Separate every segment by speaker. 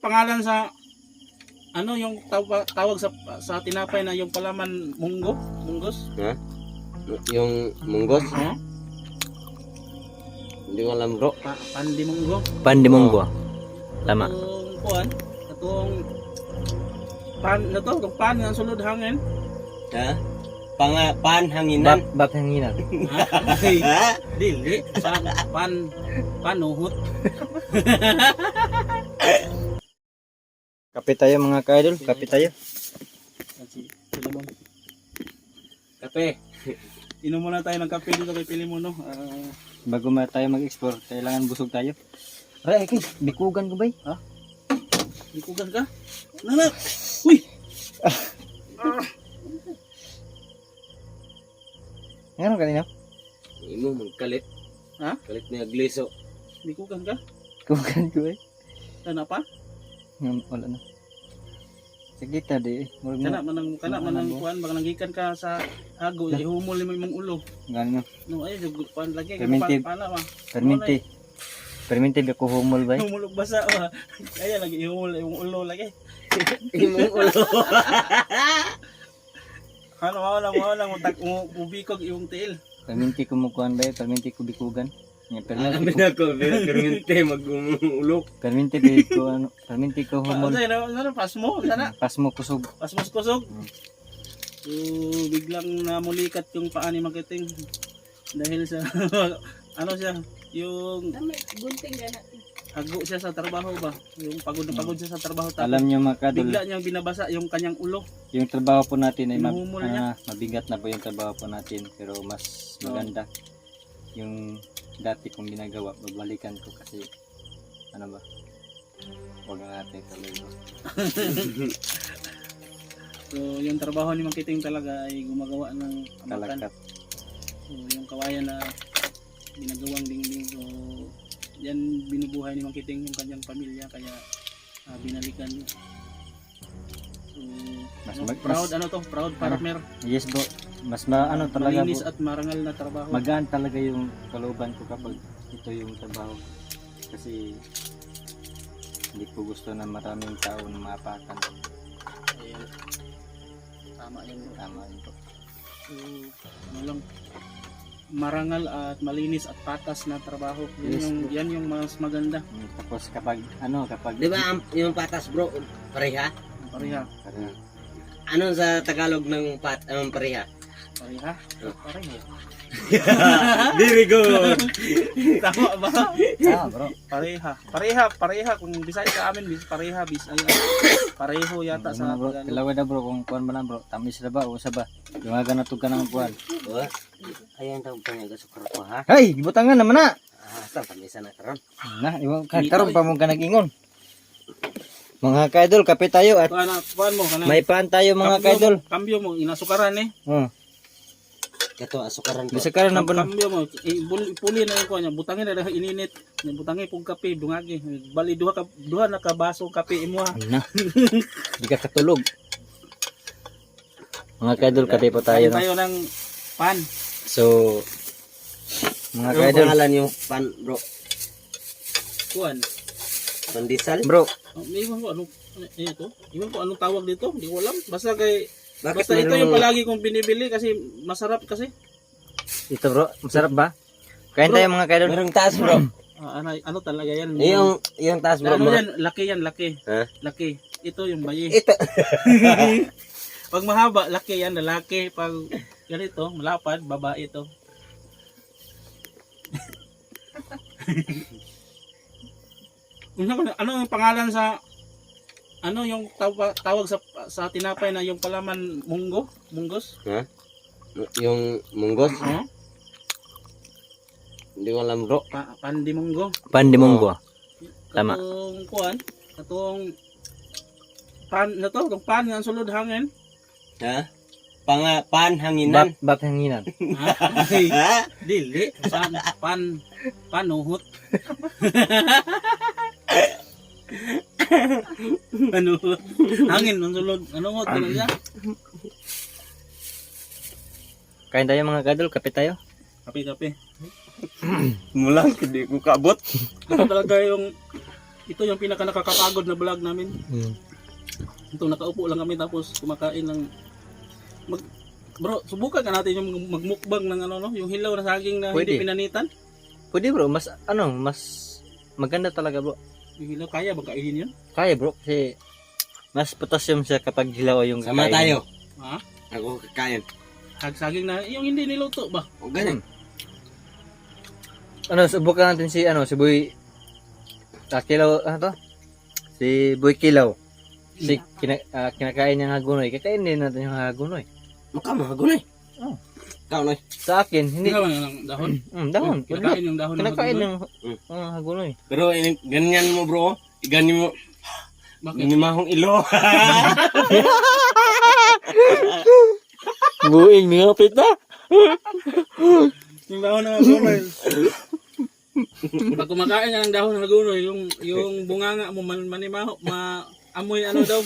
Speaker 1: pangalan sa ano yung tawag sa tinapay na yung palaman munggos?
Speaker 2: Ha? Yung munggos? Hindi ko alam bro.
Speaker 1: Pandimunggo.
Speaker 3: Pandimunggo. Tama.
Speaker 1: Atong kuan, atong pan na to, itong pan nga sulod hangin.
Speaker 2: Ha? Panhanginan.
Speaker 3: Bap hanginan.
Speaker 1: Ay, dili panuhot.
Speaker 3: Kape tayo mga ka-idol, kape tayo.
Speaker 1: Kape. Inom muna tayo ng kape dito kay Pilimono.
Speaker 3: Bago tayo mag-explore, kailangan busog tayo. Aray, okay, bikugan ko ba?
Speaker 1: Ha? Bikugan ka? Nana! Uy!
Speaker 3: Ano kanina?
Speaker 2: Imo magkalit.
Speaker 1: Ha?
Speaker 2: Kalit na gliso.
Speaker 1: Bikugan ka?
Speaker 3: Bikugan ko ba?
Speaker 1: Ano pa?
Speaker 3: Wala na. Sige ta di.
Speaker 1: Kana manang kuan baka nanggikan ka sa hago, ihumol mo imong ulo.
Speaker 3: Gano.
Speaker 1: No ay kuan lagi
Speaker 3: Perminti.
Speaker 1: pala ba.
Speaker 3: Perminti. Perminti ba ko humol ba?
Speaker 1: Humulog basa ba. Kaya lagi ihumol imong ulo lagi.
Speaker 2: Imong ulo.
Speaker 1: Ano mo lang ubikog imong tiil.
Speaker 3: Perminti ko mo kuan ba? Perminti ko bikugan. Nya
Speaker 2: Amin ako, perminte mag-ulo.
Speaker 3: Perminti ba ko ano? Perminti ko humol.
Speaker 1: Ano pasmo sana?
Speaker 3: Pasmo kusog.
Speaker 1: Pasmos kusog. So biglang namulikat yung paa ni Makiting dahil sa ano siya, yung
Speaker 4: gunting gana.
Speaker 1: hago siya sa trabaho ba? Yung pagod na pagod siya sa trabaho tapos
Speaker 3: Alam niyo mga kadol,
Speaker 1: bigla niyang binabasa yung kanyang ulo.
Speaker 3: yung trabaho po natin ay
Speaker 1: Hinuhumol niya.
Speaker 3: mabigat na po yung trabaho po natin pero mas maganda yung dati kong ginagawa. Babalikan ko kasi ano ba? Huwag na natin tuloy bro.
Speaker 1: So yung trabaho ni Makiting talaga ay gumagawa ng amakan.
Speaker 3: Talagkat.
Speaker 1: So yung kawayan na ginagawang dingding, so yan binubuhay ni Makiting yung kanyang pamilya kaya binalikan. So proud ano to? Proud partner.
Speaker 3: Yes bro. Mas ano talaga
Speaker 1: Malinis
Speaker 3: bro.
Speaker 1: at marangal na trabaho.
Speaker 3: Magaan talaga yung kalooban ko kapag ito yung trabaho. Kasi hindi ko gusto na maraming tao na maapakan.
Speaker 1: Ayan. Tama yan bro.
Speaker 3: Tama yun po.
Speaker 1: So ano lang, marangal at malinis at patas na trabaho.
Speaker 3: Yes,
Speaker 1: Yan yung mas maganda.
Speaker 3: Tapos kapag
Speaker 2: Di ba yung patas bro, pareha?
Speaker 1: Pareha.
Speaker 2: Ano sa Tagalog ng pareha?
Speaker 1: Pareha? Pareha.
Speaker 2: Very good.
Speaker 1: Tama ba?
Speaker 3: bro.
Speaker 1: Pareha. Kung Bisaya sa amin, pareha. Pareho yata sa
Speaker 3: bro,
Speaker 1: Tagalog.
Speaker 3: tilawa na bro kung kuan man bro. Tamis na ba o sa ba? Dumaga na tug ka ng kuan.
Speaker 2: Ayan daw pa niya sukar ko ha.
Speaker 3: Hey, gibutangan naman na.
Speaker 2: Sa pamisa na karon.
Speaker 3: Na, iwan ka karon pa mo ka nag-ingon. Mga kaidol, kape tayo at
Speaker 1: Kuan mo kanang
Speaker 3: may pan tayo mga kaidol.
Speaker 1: Kambyo mo inasukaran eh.
Speaker 2: Kato asukaran ko.
Speaker 3: Bisa karon na po.
Speaker 1: Kambyo mo ipuli na yung kuan niya. Butangin na ininit. Butangin pug kape dungagi. Bali duha na ka baso kape imo ha.
Speaker 3: Na. Di ka katulog. Mga kaidol, kape po tayo no.
Speaker 1: Tayo ng pan.
Speaker 3: So mga
Speaker 2: Ano
Speaker 3: kaidol,
Speaker 2: pangalan yung pan bro?
Speaker 1: Kuan.
Speaker 2: Pandesal?
Speaker 3: bro,
Speaker 1: Iwan ko ito. Iwan ko anong tawag dito. Hindi ko alam. Basta
Speaker 2: Bakit
Speaker 1: ito
Speaker 2: mayroong-
Speaker 1: yung palagi kong binibili kasi masarap kasi.
Speaker 3: ito bro, masarap ba? Kain tayo mga kaidol.
Speaker 2: Merong taas bro.
Speaker 1: Ano talaga yan?
Speaker 2: yung taas bro.
Speaker 1: Ano yan? Laki yan, laki.
Speaker 2: Ha?
Speaker 1: Laki. Ito yung bayi.
Speaker 2: Ito.
Speaker 1: Pag mahaba, laki yan, lalaki. Pag ganito, malapad, babae ito. Ano ang pangalan sa ano yung tawag sa tinapay na yung palaman munggos?
Speaker 2: Ha? Yung munggos? Hindi ko alam bro.
Speaker 1: Pandimunggo.
Speaker 3: Pandimunggo. Tama.
Speaker 1: Katong kuan, katong pan na to, katong pan nga sulod hangin.
Speaker 2: Ha? Panhanginan.
Speaker 3: Bap hanginan.
Speaker 1: Ay, dili panuhot. Ano? Hangin ng sulod. Ano hot ka niya?
Speaker 3: Kain tayo mga kaidol, kape tayo.
Speaker 1: Kape.
Speaker 2: Mulang hindi ko kabot.
Speaker 1: Ito talaga yung Ito yung pinaka nakakapagod na vlog namin.
Speaker 3: Hmm.
Speaker 1: Ito nakaupo lang kami tapos kumakain ng bro, subukan ka natin yung magmukbang ng ano no, yung hilaw na saging na
Speaker 3: Pwede.
Speaker 1: hindi pinanitan.
Speaker 3: Pwede bro, mas maganda talaga bro.
Speaker 1: Yung hilaw kaya ba kainin yun?
Speaker 3: Kaya bro, kasi mas potassium siya kapag hilaw yung
Speaker 2: Sama
Speaker 3: kakainin.
Speaker 2: tayo.
Speaker 1: Ha?
Speaker 2: Ako kakain.
Speaker 1: Saging na yung hindi niluto ba?
Speaker 2: O ganun.
Speaker 3: Subukan natin si Boy Kilaw, to? Si Boy Kilaw. Si kinakain niya ng hagunoy. Kakain din natin yung hagunoy.
Speaker 2: Mukha mo, hagunay.
Speaker 3: Oh.
Speaker 2: Ikaw, Noy.
Speaker 3: Sa akin, hindi.
Speaker 1: Hindi naman ng dahon.
Speaker 3: Dahon.
Speaker 1: Kinakain yung dahon ng
Speaker 3: Kinakain
Speaker 1: hagunoy.
Speaker 3: yung hagunoy.
Speaker 2: Pero ganyan mo bro. Ganyan mo.
Speaker 1: Bakit?
Speaker 2: Minimahong ilo.
Speaker 3: Buing, ningapit na.
Speaker 1: Yung dahon ng hagunoy. Pag kumakain ka ng dahon ng hagunoy, yung bunganga mo manimaho, amoy ano daw?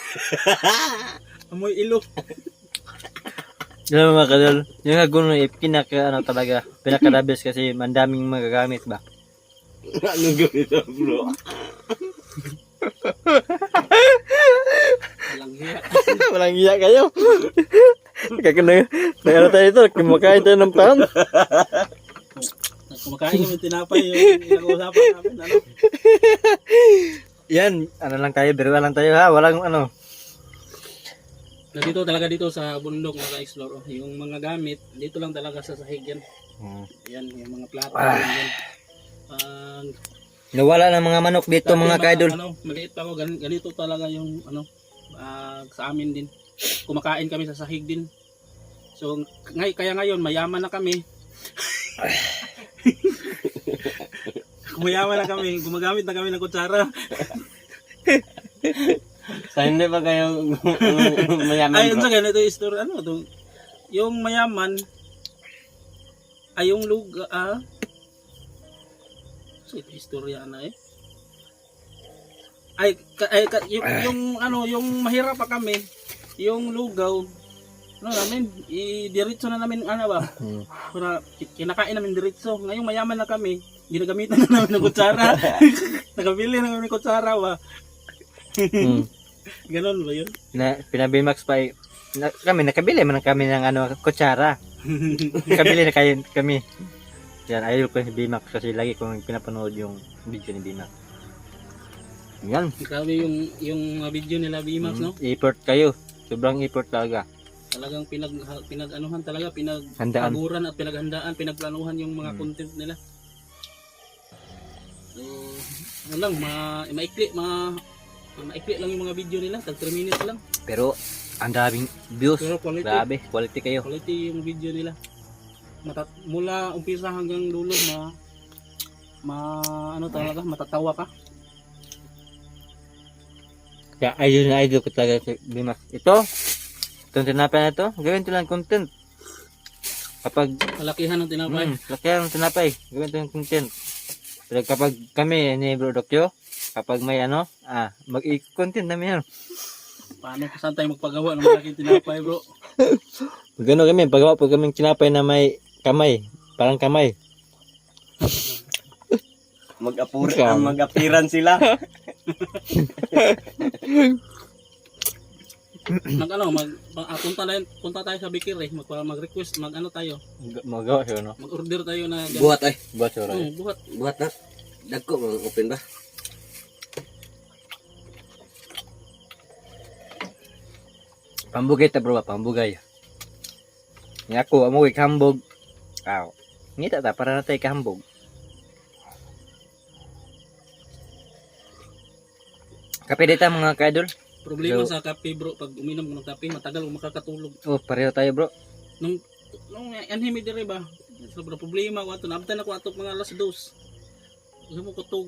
Speaker 1: Amoy ilo.
Speaker 3: Alam mo mga kadol, yung hagunoy, pinaka-the best kasi mandaming magagamit ba?
Speaker 2: Anong gawin na bro?
Speaker 1: Walang hiya.
Speaker 3: Walang iya kayo. Nagano tayo ito, kumakain tayo ng pan.
Speaker 1: Kumakain kami tinapay yung pinag-uusapan namin. Ano?
Speaker 3: Yan, lang tayo, biruan lang tayo ha, walang
Speaker 1: Dito talaga dito sa bundok naka-explore. Yung mga gamit, dito lang talaga sa sahig yan. Yan, yung mga plato. Yan.
Speaker 3: Nawala ng mga manok dito mga kaidol.
Speaker 1: Maliit pa ako, ganito talaga yung sa amin din. Kumakain kami sa sahig din. So, kaya ngayon, mayaman na kami. Mayaman na kami, gumagamit na kami ng kutsara.
Speaker 2: Sa hindi ba kayo mayaman
Speaker 1: Ay,
Speaker 2: bro?
Speaker 1: sa ganito yung story, yung mayaman, ay yung lugar, so ito istorya na eh. Yung mahirap pa kami, yung lugaw, namin, diretso na namin, ba? Para kinakain namin diretso. Ngayong mayaman na kami, ginagamitan na namin ng kutsara. Nakabili na namin ng kutsara ba? Ganon ba yun?
Speaker 3: Pinabimax pa kami nakabili man kami ng kutsara. Nakabili na kami. Yan, idol ko si Bimax kasi lagi kong pinapanood yung video ni Bimax. Yan.
Speaker 1: Grabe yung video nila Bimax, no?
Speaker 3: Effort kayo. Sobrang effort talaga.
Speaker 1: Talagang pinag-anuhan talaga,
Speaker 3: Handaan.
Speaker 1: pinagpaguran at pinaghandaan, pinagplanuhan yung mga content nila. So, ano lang, maikli lang yung mga video nila, tag 3 minutes lang.
Speaker 3: Pero ang daming views.
Speaker 1: Pero quality.
Speaker 3: Grabe, quality kayo.
Speaker 1: Quality yung video nila. Mula umpisa hanggang dulo, talaga, matatawa ka.
Speaker 3: Kaya ayun na idol ko talaga si Bimax. Itong tinapay na ito, gawin ito lang content. Kapag
Speaker 1: Kalakihan ng tinapay.
Speaker 3: lakihan ng tinapay, gawin ito yung content. Pero kapag kami ni Bro Dokyo, kapag may mag-i-content namin yan.
Speaker 1: Paano saan tayo magpagawa ng malaking tinapay, bro?
Speaker 3: Gano'n kami, pagawa po kaming tinapay na may kamay, parang kamay.
Speaker 2: Mag-apiran sila.
Speaker 1: Punta tayo sa Bikir eh, mag-request, tayo,
Speaker 3: Magawa siya, no?
Speaker 1: mag-order tayo na
Speaker 2: Buhat ay.
Speaker 3: Buat siya, right?
Speaker 1: buhat.
Speaker 2: Buhat na. Dagko, mga open ba?
Speaker 3: Pambugay ta bro, pambugay. Nga ako, amoy kambog. Ngita ta, para natay kambog. Kape dita mga kaidol.
Speaker 1: Problema sa kape, bro, pag uminom ko ng kape, matagal kung makakatulog.
Speaker 3: Oh, pareho tayo bro.
Speaker 1: Nung anhimi dire ba? Sobrang problema ko ato. Naabtan ako ato mga alas 2. Gusto mo kutog.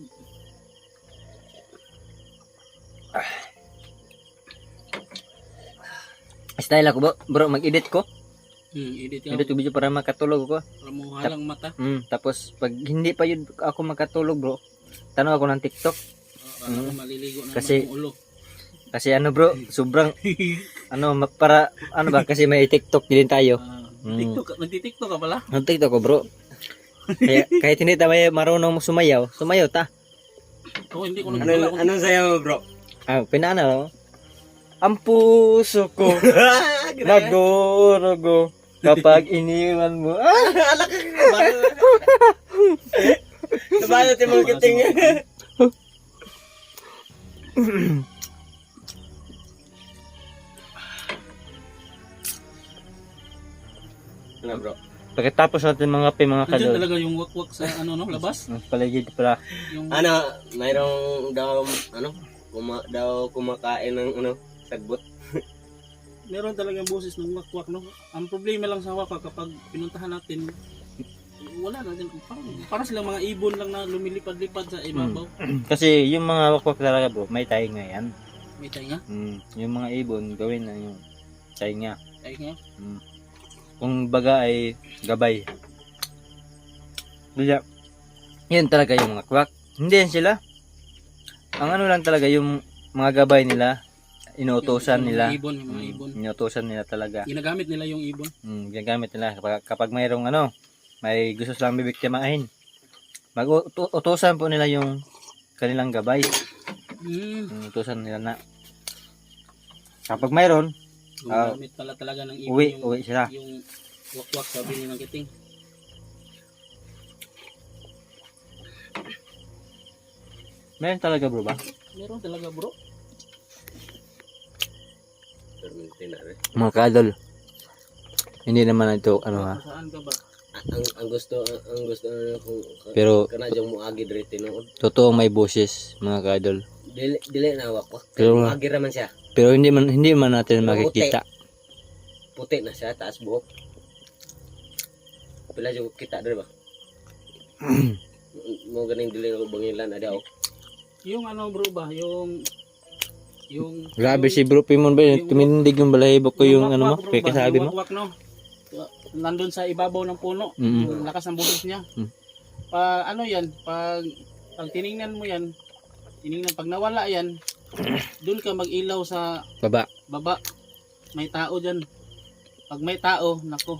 Speaker 3: Style ako bro, mag-edit ko.
Speaker 1: Edit ka.
Speaker 3: Edit ko video para makatulog ko.
Speaker 1: Para mo halang mata.
Speaker 3: Tapos pag hindi pa yun ako makatulog bro, tanaw ako ng TikTok.
Speaker 1: Para maliligo na
Speaker 3: Kasi-
Speaker 1: ang ulo.
Speaker 3: Kasi bro, sobrang para ba kasi may TikTok din tayo.
Speaker 1: Nagti-TikTok ka pala?
Speaker 3: Ang TikTok ko bro. Kaya kahit hindi tayo marunong sumayaw ta.
Speaker 1: Oo, hindi ko
Speaker 2: Ano,
Speaker 1: nagdala.
Speaker 2: anong sayo mo, bro?
Speaker 3: Pinana, no? Ang puso ko, nagorogo, kapag iniwan mo.
Speaker 2: Alak ka ba? Nabalot yung mga kiting. Ano, bro?
Speaker 3: Pagkatapos natin mga mga
Speaker 1: Nandiyan
Speaker 3: kadol.
Speaker 1: talaga yung wakwak sa ano no, labas.
Speaker 3: Ang paligid pala.
Speaker 1: Yung
Speaker 2: Ano, mayroong daw, daw kumakain ng, sagbot.
Speaker 1: meron talagang boses ng wakwak no. Ang problema lang sa wakwak kapag pinuntahan natin wala na din para silang mga ibon lang na lumilipad-lipad sa ibabaw.
Speaker 3: Kasi yung mga wakwak talaga bro, may tainga yan.
Speaker 1: May tayo nga.
Speaker 3: Yung mga ibon, gawin na yung tainga.
Speaker 1: Tayo nga.
Speaker 3: Kung baga ay gabay. Kaya, yun talaga yung mga kwak. Hindi yan sila. Ang ano lang talaga yung mga gabay nila, inuutosan
Speaker 1: Yung
Speaker 3: nila.
Speaker 1: Ibon, yung mga ibon.
Speaker 3: Inuutosan nila talaga.
Speaker 1: Ginagamit nila yung ibon.
Speaker 3: Ginagamit nila kapag mayroong may gusto silang bibiktimahin. Mag-utosan po nila yung kanilang gabay. Utosan nila na. Kapag mayroon,
Speaker 1: Gumagamit pala talaga ng ibon
Speaker 3: uwi sila.
Speaker 1: yung wakwak sabi ni Mang Kiting.
Speaker 3: Meron talaga bro ba?
Speaker 1: Meron talaga bro.
Speaker 3: Mga kadol. Hindi naman ito
Speaker 1: Saan ka ba?
Speaker 2: Ang gusto kung
Speaker 3: Pero
Speaker 2: kana jang moagi diri tinuod.
Speaker 3: totoo may boses mga kadol.
Speaker 2: Dili na wakwak.
Speaker 3: Pero-
Speaker 2: Moagi ra man siya.
Speaker 3: Pero hindi man natin makikita.
Speaker 2: Puti na siya, taas buhok. Pila jud kita diri ba? Mo ganing dili ko bangilan ada oh.
Speaker 1: Yung ano bro ba? Yung
Speaker 3: Grabe si Bro Pimon ba? Tumindig yung balahibo ko yung ano mo?
Speaker 1: wakwak, bro,
Speaker 3: Kaya
Speaker 1: ba?
Speaker 3: kasabi
Speaker 1: Yung
Speaker 3: mo?
Speaker 1: wakwak, no? Nandun sa ibabaw ng puno.
Speaker 3: Mm.
Speaker 1: Yung lakas ng boses niya.
Speaker 3: Mm.
Speaker 1: Pag tiningnan mo yan, pag nawala yan, doon ka mag-ilaw sa
Speaker 3: Baba.
Speaker 1: baba. May tao dyan. Pag may tao, nako.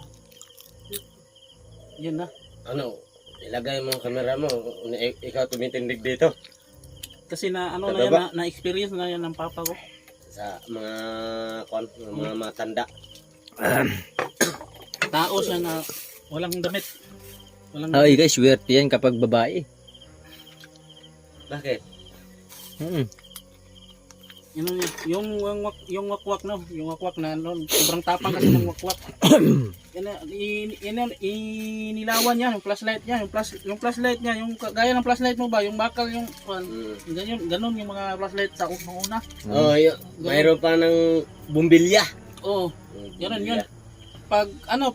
Speaker 1: Yun na.
Speaker 2: Ano, ilagay mo ang camera mo, ikaw tumitindig dito
Speaker 1: Kasi na ano
Speaker 2: Sa
Speaker 1: na yan,
Speaker 2: baba?
Speaker 1: na-experience na yan ng papa ko.
Speaker 2: sa mga matanda.
Speaker 1: Tao siya na walang damit. Walang
Speaker 3: Ay guys, swerte yan kapag babae.
Speaker 2: Bakit?
Speaker 1: Yung wakwak no, yung wakwak na no, sobrang tapang kasi ng wakwak. Inilawan niya yung flashlight niya, yung flashlight niya, yung gaya ng flashlight mo ba, yung bakal yung ganun yung mga flashlight sa una.
Speaker 2: Oh, mayroon pa ng bumbilya.
Speaker 1: Oh, ganun yun. Pag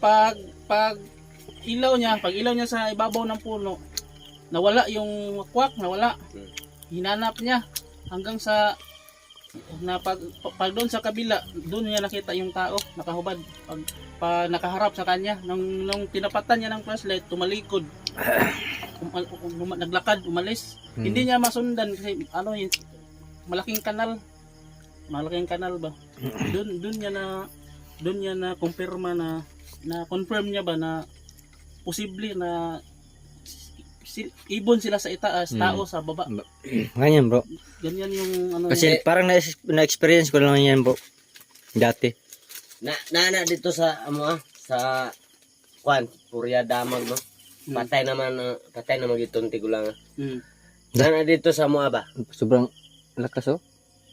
Speaker 1: ilaw niya sa ibabaw ng puno, nawala yung wakwak, nawala. Hinanap niya hanggang sa pag doon sa kabila, doon niya nakita yung tao nakahubad. Pag nakaharap sa kanya, nung tinapatan niya ng flashlight, tumalikod. Naglakad, umalis. Hindi niya masundan kasi malaking kanal. Malaking kanal ba? Doon niya na kumpirma na confirm niya ba na posible na ibon sila sa itaas, tao sa baba.
Speaker 3: Ganyan bro.
Speaker 1: Ganyan yung
Speaker 3: Kasi parang na-experience ko lang yan bro. Dati.
Speaker 2: Na dito sa sa Purya Damag no. Patay naman gitong tigulang. Na dito sa mga ba?
Speaker 3: Sobrang lakas oh.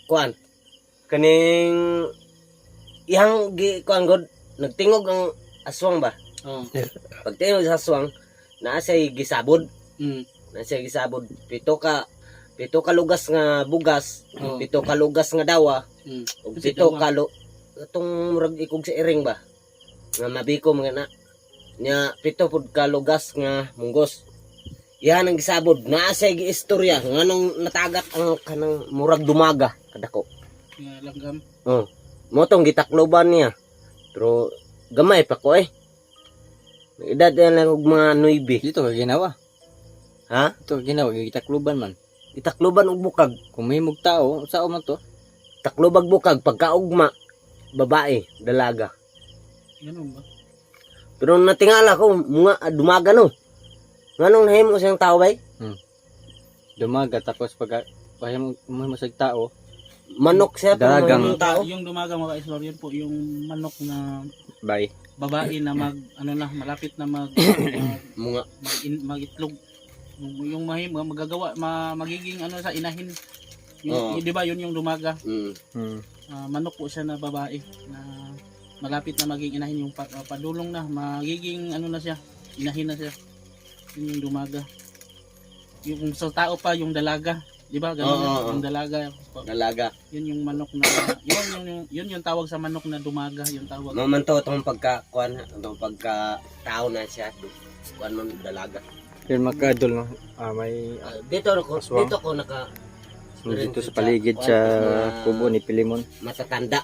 Speaker 2: Kaning ihang god nagtingog ang aswang ba?
Speaker 1: Oh.
Speaker 2: Pag tingog sa aswang, naa siya gisabod.
Speaker 1: Mm.
Speaker 2: Nasa gisabod pito ka lugas nga bugas,
Speaker 1: Oh.
Speaker 2: pito ka lugas nga dawa,
Speaker 1: Mm.
Speaker 2: ug
Speaker 1: Kasi
Speaker 2: pito
Speaker 1: dawa.
Speaker 2: ka atong murag ikog sa iring ba. Nga mabikom nga na. Nya pito pud ka lugas nga munggos. Yan ang gisabod. Naa siya giistorya nganong natagat ang kanang murag dumaga kadako.
Speaker 1: Nga langgam.
Speaker 2: Oh. Motong gitakloban niya. Pero gamay pa ko eh. Edad yan lang og mga 9.
Speaker 3: Dito ka ginawa.
Speaker 2: Ha?
Speaker 3: Ito ka ginawa. Gitakluban man.
Speaker 2: Itakloban og bukag.
Speaker 3: Kung may mugtao, sao man to?
Speaker 2: Taklobag bukag pagkaugma babae, dalaga.
Speaker 1: Ganun ba?
Speaker 2: Pero natingala ko mga dumaga no. Nganong nahimo siyang tao bay?
Speaker 3: Dumaga tapos pag mo sa tao,
Speaker 2: Manok siya kung
Speaker 3: Dalagang-
Speaker 2: yung tao.
Speaker 1: Yung dumaga mga ka-explore, yun po yung manok na
Speaker 3: bay.
Speaker 1: babae na malapit na
Speaker 2: Mga
Speaker 1: magitlog. Yung magagawa magiging sa inahin.
Speaker 2: Oo.
Speaker 1: Di ba yun yung dumaga?
Speaker 3: Hmm.
Speaker 1: Manok po siya na babae na malapit na maging inahin yung padulong na magiging na siya, inahin na siya. Yun yung dumaga. Yung sa tao pa yung dalaga, di ba? Ganun
Speaker 2: Oo.
Speaker 1: yung dalaga.
Speaker 2: dalaga.
Speaker 1: Yun yung manok na yun yung tawag sa manok na dumaga, yung tawag.
Speaker 2: Mamanto itong pagkakuan, itong pagkatao na siya. Kuan man dalaga.
Speaker 3: Yun makadol no. May
Speaker 2: Dito ako,
Speaker 3: Aswang.
Speaker 2: dito ko naka
Speaker 3: dito sa paligid sa kubo ni Pilimon.
Speaker 2: matatanda.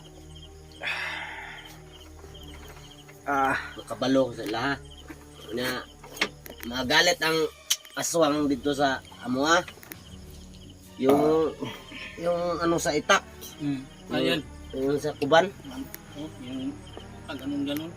Speaker 2: Makabalo sila. Na magalit ang aswang dito sa amoa. Yung sa itak,
Speaker 1: Ayan.
Speaker 2: yung sa kuban.
Speaker 1: Yung pag ganun.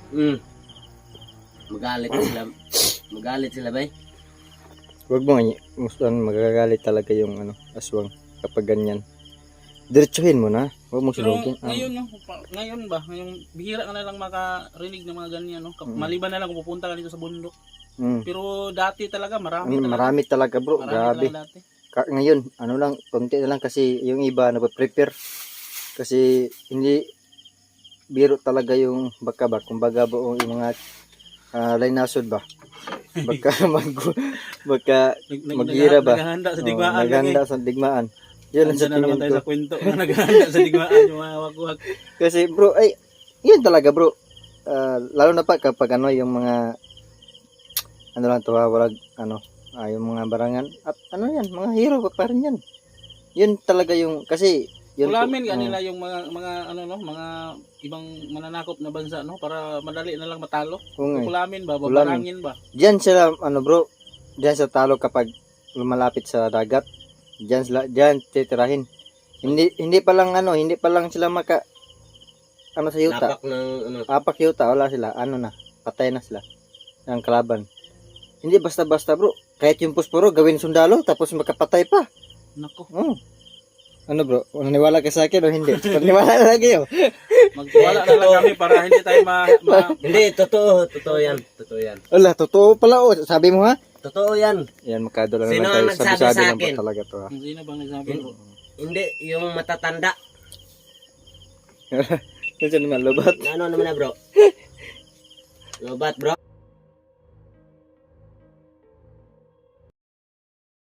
Speaker 2: Magalit sila bay.
Speaker 3: Wag mo mustan magagalit talaga yung aswang kapag ganyan. Diretsuhin mo na. Wag mo
Speaker 1: Pero
Speaker 3: sunugin.
Speaker 1: ngayon ba, ngayong bihira ka na lang makarinig ng mga ganyan, no? Maliban na lang kung pupunta ka dito sa bundok. Pero dati talaga
Speaker 3: Marami talaga bro.
Speaker 1: Marami
Speaker 3: Grabe.
Speaker 1: talaga dati.
Speaker 3: Ngayon, lang, konti na lang kasi yung iba nagpa-prepare. Kasi hindi biro talaga yung baka ba. Kumbaga buong yung mga lainasod ba. Baka maghira ba.
Speaker 1: Naghahanda sa digmaan.
Speaker 3: Naghanda sa digmaan. Yun ang
Speaker 1: Andiyan
Speaker 3: sa
Speaker 1: na naman
Speaker 3: tingin
Speaker 1: tayo
Speaker 3: ko.
Speaker 1: sa kwento. Naghahanda sa digmaan yung mga wag-wag.
Speaker 3: Kasi bro, ay, yun talaga bro. Lalo na pa kapag yung mga lang to walag yung mga barangan at yan, mga hero pa rin yan. Yun talaga yung kasi yun
Speaker 1: Ulamin kanila yung mga mga ibang mananakop na bansa, no, para madali na lang matalo. Ulamin ba, babarangin ba?
Speaker 3: Diyan sila bro, diyan sa talo kapag lumalapit sa dagat. Diyan titirahin. Hindi pa lang sila maka sa yuta. Apak yuta, wala sila. Na, patay na sila. Ang kalaban. Hindi basta-basta bro. Kahit yung pusporo, gawin sundalo, tapos makapatay pa.
Speaker 1: Nako.
Speaker 3: Bro? Naniwala ka sa akin o hindi? Naniwala na lagi yun.
Speaker 1: Magtiwala na lang kami para hindi tayo
Speaker 2: Hindi, totoo yan.
Speaker 3: Wala, totoo pala o. Sabi mo ha?
Speaker 2: Totoo yan.
Speaker 3: Yan, makadala
Speaker 2: Sino
Speaker 3: naman tayo.
Speaker 2: ang nagsabi
Speaker 3: Sabi-sabi
Speaker 2: sa
Speaker 3: lang
Speaker 2: akin?
Speaker 3: po talaga to ha.
Speaker 1: Sino bang nagsabi bro?
Speaker 2: Hindi, yung matatanda.
Speaker 3: Kasi naman, lobat.
Speaker 2: Ano naman na bro? Lobat bro.